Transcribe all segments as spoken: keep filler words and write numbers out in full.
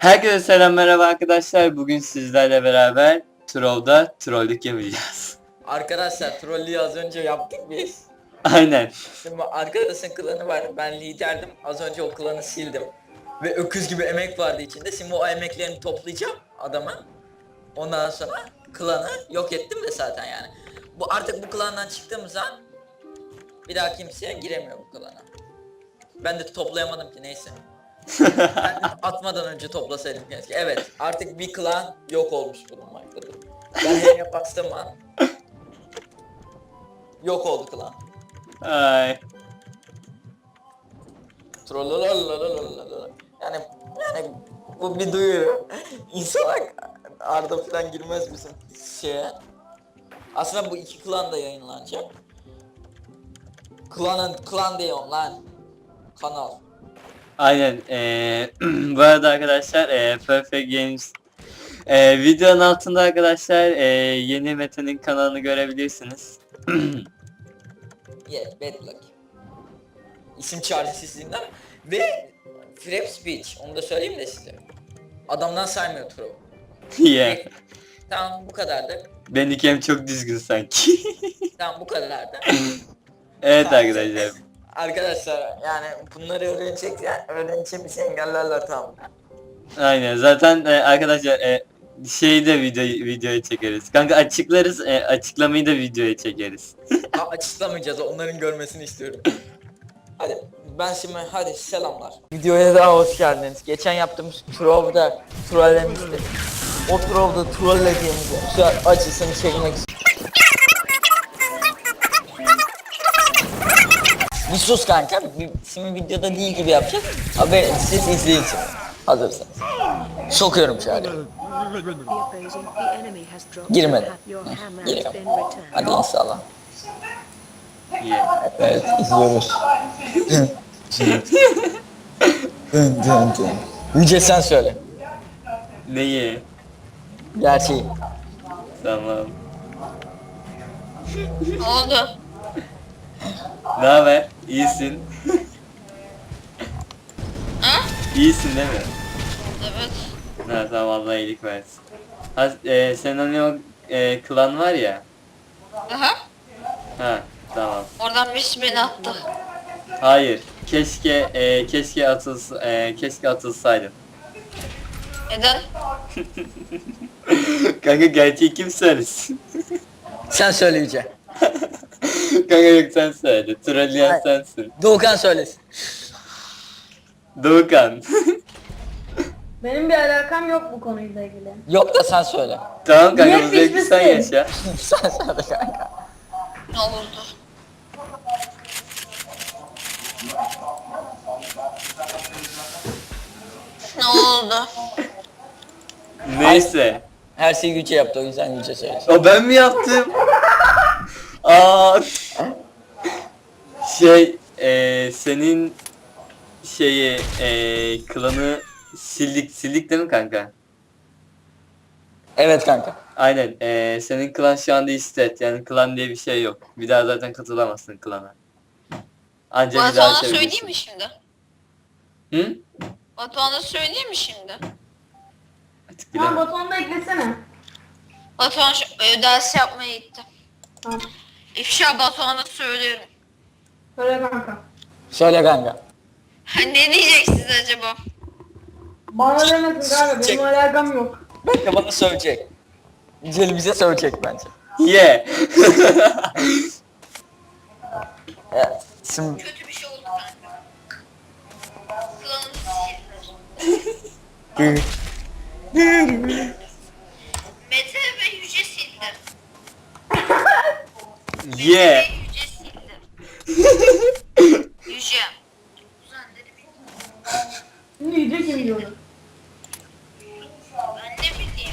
Herkese selam, merhaba arkadaşlar. Bugün sizlerle beraber Trov'da trollük yapacağız. Arkadaşlar trollü az önce yaptık biz. Aynen. Şimdi arkadaşın klanı var. Ben liderdim. Az önce o klanı sildim. Ve öküz gibi emek vardı içinde. Şimdi o emeklerini toplayacağım adama. Ondan sonra klanı yok ettim de zaten yani. Bu artık bu klandan çıktığımız an bir daha kimseye giremiyor bu klana. Ben de toplayamadım ki neyse. Ben atmadan önce toplasaydım keşke. Evet, artık bir klan yok olmuş bulunmaktadır. Ben neye bastığım an yok oldu klan. Ay. Trollololololololol. Yani yani bu bir duyuru. İnsanlar Arda falan girmez bizim şeye. Aslında bu iki klan da yayınlanacak. Klanın klan diyorum lan. Kanal. Aynen. Ee, bu arada arkadaşlar ee, Perfect Games ee, videonun altında arkadaşlar ee, yeni Mete'nin kanalını görebilirsiniz. Yeah, bad luck. İsim çaresizliğinden ve Frap Speech, onu da söyleyeyim de size. Adamdan saymıyor Tro. Yeah. Tamam, bu kadardı. Benimki çok düzgün sanki. Tamam, bu kadardı. Evet Tamam. arkadaşlar. Arkadaşlar yani bunları öğrenecek yani öğreneceğimiz engellerler tamam. Aynen. Zaten ee, arkadaşlar ee, şeyde video videoyu çekeriz. Kanka açıklarız, ee, açıklamayı da videoya çekeriz. Ha, açıklamayacağız, onların görmesini istiyorum. Hadi ben şimdi hadi selamlar. Videoya daha hoş geldiniz. Geçen yaptığımız Trov'da trollemiştik. O Trov'da trollediğimiz şu açısını çekmek istiyorum. Bir sus kanka. Bir, şimdi videoda değil gibi yapacağız. Haber siz izleyin şimdi. Hazırsanız. Sokuyorum şöyle. Girmedi. Giriyorum. Hadi inşallah. Yeah. Evet, izliyoruz. Dın dın dın. Yüce sen söyle. Neyi? Gerçeği. Tamam. Ne oldu? Ne haber? İyisin. Ha? İyisin değil mi? Evet. Ha tamam, Allah iyilik versin. Ha, e, senin hani o e, klan var ya. Aha. Ha tamam. Oradan birisi beni attı. Hayır. Keşke e, keşke atılsa e, keşke atılsaydın. Neden? Kanka gerçeği kim söylesin? Sen söyle Yüce. Kanka yok, sen söyle. Trolleyen Hayır. sensin. Doğukan söylesin. Doğukan. Benim bir alakam yok bu konuyla ilgili. Yok da sen söyle. Tamam kanka, Niye bu zevki sen pişmişsin? yaşa. Sen söyle kanka. Ne olurdu? Ne oldu? Neyse. Her şeyi Yüce yaptı, o yüzden Yüce söylesin. O ben mi yaptım? Aa. Şey, e, senin şeyi e, klanı sildik sildik değil mi kanka? Evet kanka. Aynen. E, senin klan şu anda istet. Yani klan diye bir şey yok. Bir daha zaten katılamazsın klana. Ancak bir daha Batuhan'a söyleyeyim açabilirsin. mi şimdi? Hı? Batuhan'a söyleyeyim mi şimdi? Artık Tamam, bilemem. Batuhan'ı da eklesene. Batuhan şu e, ders yapmaya gitti. Tamam. İfşa Batuhan'a söylüyorum. Söyle kanka. Söyle kanka. Ha, ne diyeceksiniz acaba? Bana demesin kanka, Çek. benim alakam yok. Kanka bana söyleyecek. Yüce bize söyleyecek bence. Ye. Evet. Şimdi Kötü bir şey oldu kanka. Klanımı sildiler. Mete ve Yüce sildi. Mete Ye. ve Yüce sildi. Yüce. Kuzenleri bildim. Şimdi yiyecek kim diyordu? Ben ne bileyim.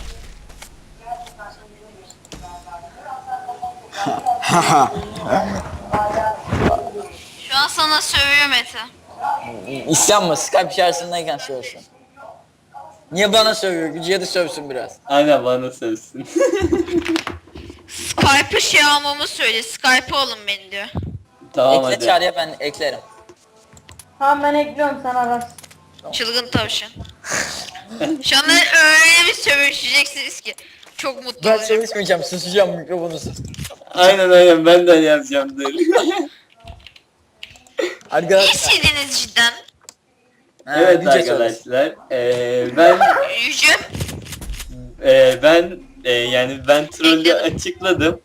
Şu an sana sövüyor Mete. isyan mı? Skype içerisindeyken söylesin. Niye bana sövüyor? Yüce'ye de sövsün biraz. Aynen, bana sözsün. Skype'ı şey almamı söyle. Skype'ı alın beni diyor. Tamam Ekle hadi. çağrıya, ben eklerim. Tamam, ben ekliyorum, sen ararsın. Çılgın tavşan. Şu anda öyle bir sövüşeceksiniz ki. Çok mutlu Ben olacağım. çalışmayacağım, susacağım mikrofonu sus. Aynen aynen ben de öyle yapacağım dur. Arkadaşlar. İyisiniz cidden. Ha, Evet Yüce söylesin. arkadaşlar. Eee ben Yüce. eee ben eee, yani ben trollü Ekledim. açıkladım.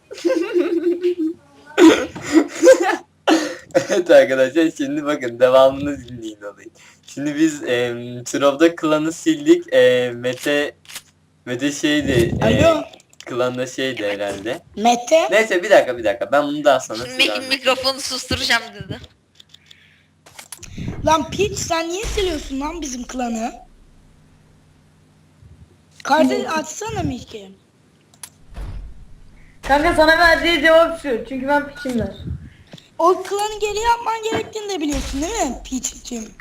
Evet arkadaşlar şimdi bakın devamını dinleyin olayı. Şimdi biz eee Trov'da klanı sildik. Eee Mete Mete şeydi. eee, Alo. klanda şeydi herhalde. Mete. Neyse bir dakika bir dakika ben bunu daha sonra Şimdi size mik- anlatayım. mikrofonu susturacağım dedi. Lan Peach sen niye siliyorsun lan bizim klanı? Kardeş açsana Miki. Kanka sana verdiği cevap şu. Çünkü ben piçimler. O klanı geri yapman gerektiğini de biliyorsun değil mi Peach'ciğim?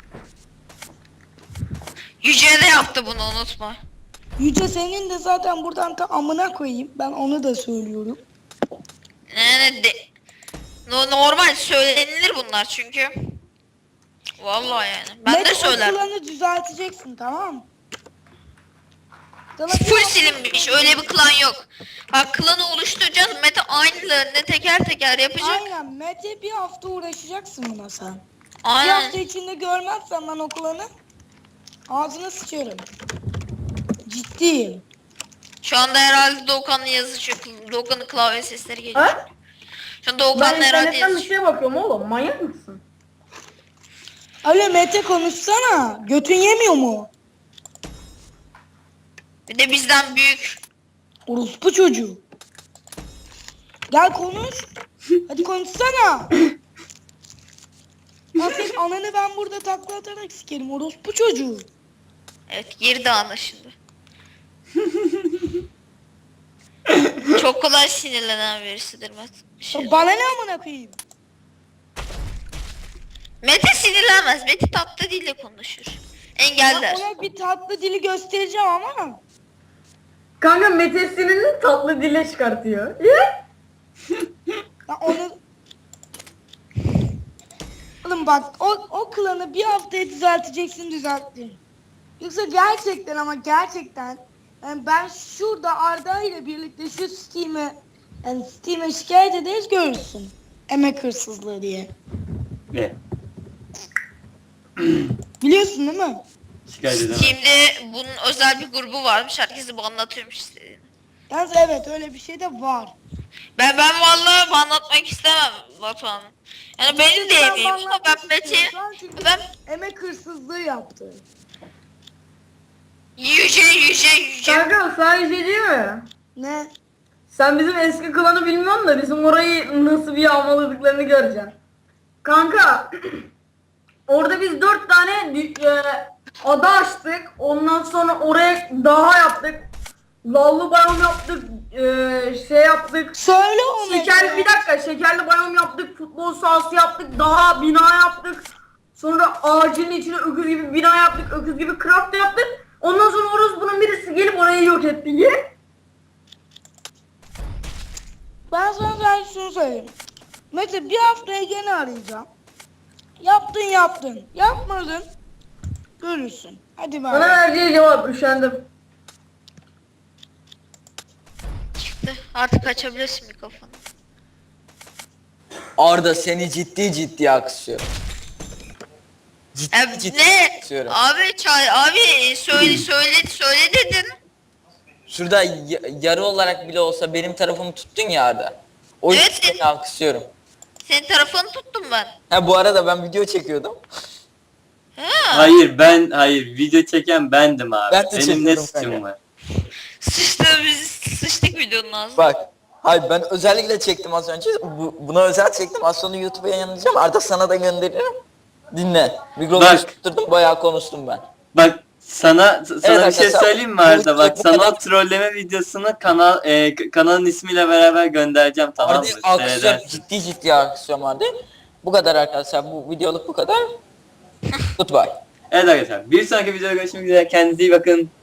Yüce de yaptı bunu unutma. Yüce senin de zaten buradan ta amına koyayım. Ben onu da söylüyorum. Yani de, no- normal söylenilir bunlar çünkü. Vallahi yani. Ben Mete, de söylerim. o klanı düzelteceksin tamam mı? Sana bir Full hafta- silinmiş. Öyle bir klan yok. Bak klanı oluşturacağız. Mete aynılarını teker teker yapacak. Aynen Mete bir hafta uğraşacaksın buna sen. Bir Aynen. hafta içinde görmezsen ben o klanı ağzına sıçarım. Ciddiyim. Şu anda herhalde Doğukan'la yazışıyor. Doğukan'ın klavye sesleri geliyor. Ha? Şu an Ben Doğukan'la herhalde internetten bir yazışıyor. şeye bakıyorum oğlum. Manyak mısın? Alo Mete konuşsana. Götün yemiyor mu? Bir de bizden büyük. Orospu çocuğu. Gel konuş. Hadi konuşsana. Lan senin ananı ben burada takla atarak sikerim. Orospu çocuğu. Evet girdi anlaşıldı. Çok kolay sinirlenen birisidir Mete. Şey- Bana ne amına koyayım? Mete sinirlenmez. Mete tatlı dille konuşur. Ben Engeller. ona bir tatlı dili göstereceğim ama. Kanka Mete sinirli tatlı dile çıkartıyor. Ya? Ben onu... Oğlum bak o, o klanı bir haftaya düzelteceksin düzelttin. Yoksa gerçekten ama gerçekten yani ben şurada Arda ile birlikte şu Steam'e yani Steam'e şikayet ederiz görürsün. Emek hırsızlığı diye. Ne? Biliyorsun değil mi? Şikayet edemem. Şimdi bunun özel bir grubu varmış. Herkese bu anlatıyormuş istediğini. Yalnız evet öyle bir şey de var. Ben ben vallahi bu anlatmak istemem Batuhan. Yani benim de Ben emeğim ama anlatmak ben Mete istiyorum. Şu an çünkü ben emek hırsızlığı yaptı. yüce yüce yüce. Kanka sana bir şey diyeyim mi? Ne? Sen bizim eski klanı bilmiyorsun da bizim orayı nasıl bir yağmaladıklarını göreceksin. Kanka orada biz dört tane dü- e, ada açtık. Ondan sonra oraya daha yaptık. Lallı bayram yaptık. e, şey yaptık. Söyle onu. Şekerli bir dakika şekerli bayram yaptık. Futbol sahası yaptık. Daha bina yaptık. Sonra ağacın içine öküz gibi bina yaptık. Öküz gibi craft yaptık. Ondan sonra orospunun birisi gelip orayı yok etti. Ye. Ben sana sadece şunu söyleyeyim. Mete bir haftaya gene arayacağım. Yaptın yaptın. Yapmadın. Görürsün. Hadi Bana bak. verdiği cevap üşendim. Çıktı. Artık açabilirsin mikrofonu. Arda seni ciddi ciddi alkışlıyorum. Ciddi E, ciddi ne? alkışlıyorum. Abi çay abi söyle söyle söyle dedin. Şurada y- yarı olarak bile olsa benim tarafımı tuttun ya Arda. O yüzden Evet. seni alkışlıyorum. Senin tarafını tuttum ben. Ha bu arada ben video çekiyordum. Ha. Hayır ben hayır video çeken bendim abi. Ben de Benim ne çekiyorum suçum kanka. var? Sıçtı biz sıçtık videonun ağzına. Bak. Hayır ben özellikle çektim az önce. Bu, buna özel çektim. Az sonra YouTube'a yayınlayacağım. Arda sana da gönderirim. Dinle. Mikrofonu Bak. tutturdum. Bayağı konuştum ben. Bak sana sana bir şey arkadaşlar, söyleyeyim mi bu- Arda? bu- Bak bu sana kadar- o trolleme videosunu kanal e, k- kanalın ismiyle beraber göndereceğim tamam mı? Arda'yı alkışlıyorum. Seyredersin. Ciddi ciddi alkışlıyorum Arda'yı. Bu kadar arkadaşlar. Bu videoluk bu kadar. Goodbye. Evet arkadaşlar bir sonraki videoda görüşmek üzere kendinize iyi bakın.